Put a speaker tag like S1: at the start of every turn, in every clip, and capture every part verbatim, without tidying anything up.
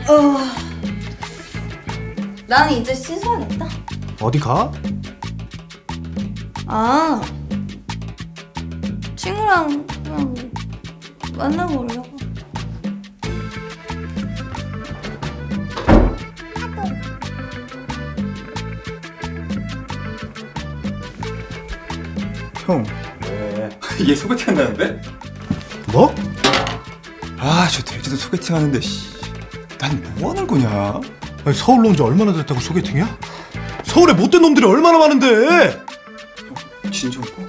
S1: 어... 나는 이제 씻어야겠다.
S2: 어디 가?
S1: 아, 친구랑 그냥 만나고 오려고.
S3: 형, 왜? 얘 소개팅 한다는데?
S2: 뭐?
S3: 아, 저 돼지도 소개팅 하는데, 씨. 난 뭐 하는 거냐?
S2: 아니, 서울로 온 지 얼마나 됐다고 소개팅이야? 서울에 못된 놈들이 얼마나 많은데!
S3: 진정고?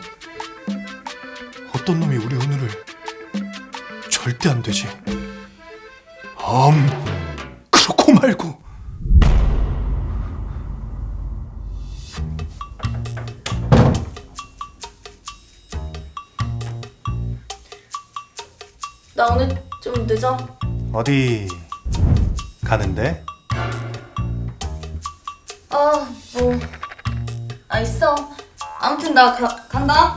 S2: 어떤 놈이 우리 은우를 절대 안 되지. 암 그렇고 말고.
S1: 나 오늘 좀 늦어.
S2: 어디 가는데?
S1: 아, 뭐. 아, 있어. 아무튼 나 가, 간다.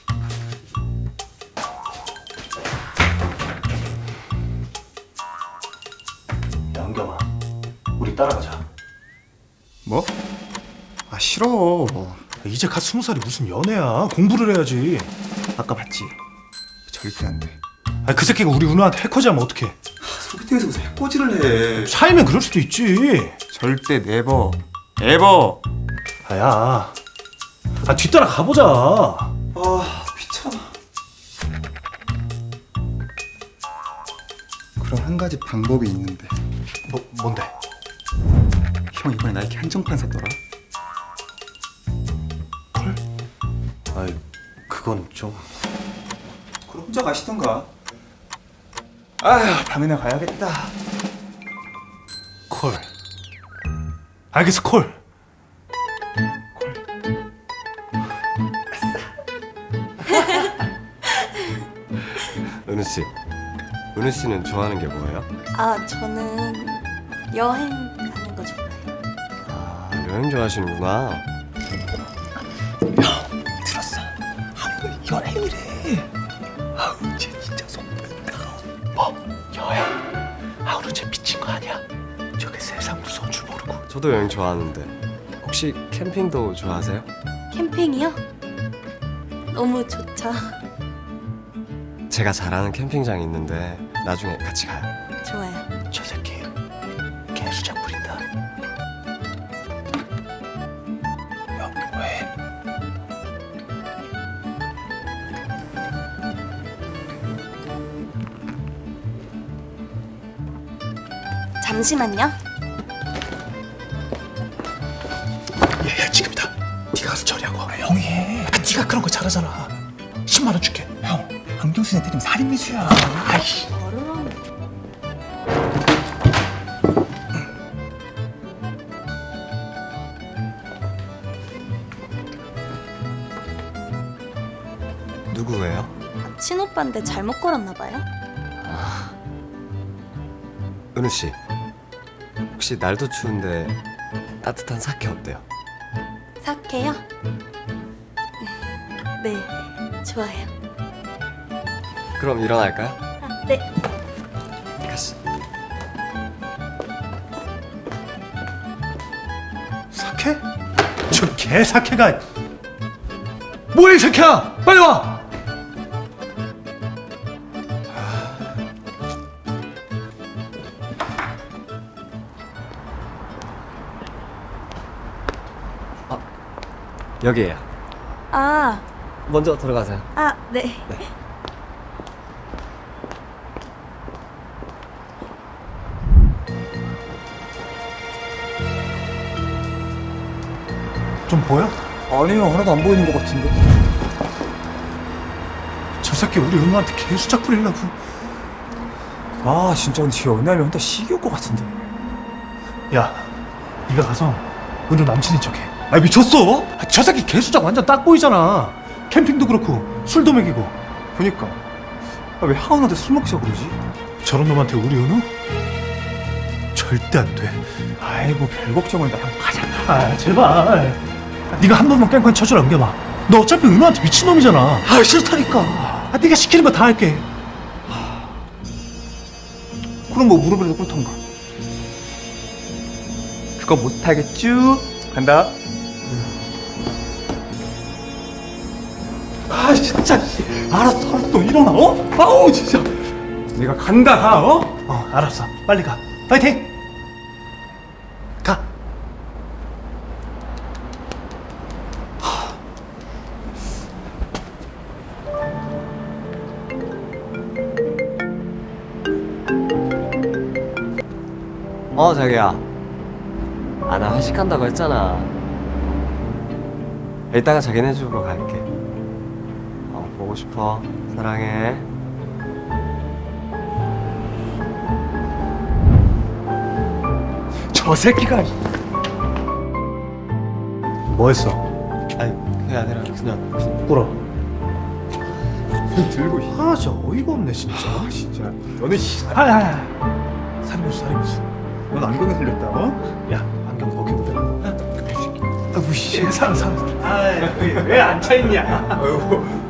S2: 양겸아, 우리 따라가자.
S3: 뭐? 아, 싫어.
S2: 이제 갓 스무 살이 무슨 연애야. 공부를 해야지.
S3: 아까 봤지? 절대 안 돼.
S2: 아니, 그 새끼가 우리 은우한테 해코지하면 어떡해.
S3: 소개팅에서 무슨 해코지를 해.
S2: 사이면 그럴 수도 있지.
S3: 절대 네버. 에버.
S2: 아야, 아 뒤따라 가보자.
S3: 아, 귀찮아. 그럼 한 가지 방법이 있는데.
S2: 뭐 뭔데?
S3: 형 이번에 나이키 한정판 샀더라.
S2: 헐? 아이, 그건 좀.
S3: 그럼 혼자 가시던가. 아휴, 밤에나 가야겠다.
S2: 콜. 알겠어, 콜.
S4: 은우 씨, 은우 씨는 좋아하는 게 뭐예요?
S1: 아, 저는 여행 가는 거 좋아해요.
S4: 아, 여행 좋아하시는구나.
S3: 들었어. 아, 여행이래. 아우, 쟤 진짜 속는다.
S2: 뭐? 여행? 아, 오늘 쟤 미친 거 아니야? 저게 세상 무서운 줄 모르고.
S4: 저도 여행 좋아하는데 혹시 캠핑도 좋아하세요?
S1: 캠핑이요? 너무 좋죠.
S4: 제가 잘 아는 캠핑장이 있는데 나중에 같이 가요.
S1: 좋아요.
S2: 저 새끼 개수작 부린다. 야, 왜?
S1: 잠시만요.
S2: 얘야, 지금이다. 네가 가서 처리하고. 아, 형이 해. 아, 네가 그런 거 잘하잖아. 십만 원 줄게.
S3: 형, 안경수에 때리면 살인미수야.
S2: 아이씨.
S1: 뭐를 하면.
S4: 누구예요?
S1: 아, 친오빠인데 잘못 걸었나 봐요.
S4: 은우 씨, 혹시 날도 추운데 따뜻한 사케 어때요?
S1: 사케요? 네, 좋아요.
S4: 그럼 일어날까요?
S1: 아, 네.
S4: 가시.
S2: 사케? 저 개사케가. 뭐야, 이 새끼야! 빨리 와!
S4: 여기에요.
S1: 아,
S4: 먼저 들어가세요.
S1: 아, 네.
S2: 좀 보여?
S3: 아니요, 하나도 안 보이는 것 같은데.
S2: 저 새끼 우리 은우한테 개수작 부리려고.
S3: 아, 진짜 근데 쟤 연애하면 혼자 시기올 것 같은데.
S2: 야, 네가 가서 은우 남친인 척해. 아, 미쳤어? 아, 저 새끼 개수작 완전 딱 보이잖아. 캠핑도 그렇고 술도 먹이고.
S3: 그니까. 아, 왜 하은한테 술 먹자고 그러지?
S2: 저런 놈한테 우리 은우 절대 안 돼.
S3: 아이고, 별 걱정을 나랑 가자.
S2: 아, 제발. 아, 네가 한 번만 깽판 쳐주라, 은겸아. 너 어차피 은우한테 미친 놈이잖아.
S3: 아, 싫다니까.
S2: 아, 네가 시키는 거 다 할게.
S3: 그럼 뭐 무릎이라도 꿇던가. 그거 못하겠쥬? 간다.
S2: 아 진짜 씨. 알았어 알았어 일어나 어? 아우 진짜 내가 간다 가 어? 어 알았어 빨리 가 파이팅 가
S4: 어 자기야. 아 나 회식한다고 했잖아. 이따가 자기네 집으로 갈게. 어 보고 싶어. 사랑해.
S2: 저 새끼가 뭐 했어?
S4: 아니 그게 아니라 그냥 그냥
S2: 꿇어
S3: 들고 씨.
S2: 아 진짜 어이가 없네 진짜
S3: 아 진짜. 너는 씨.
S2: 아야 살인무수 살인무수
S3: 넌 안경에 틀렸다. 어?
S2: 야 안경 벗겨보자 아이고 씨 사람 사람 아왜 앉아있냐
S3: 아이고.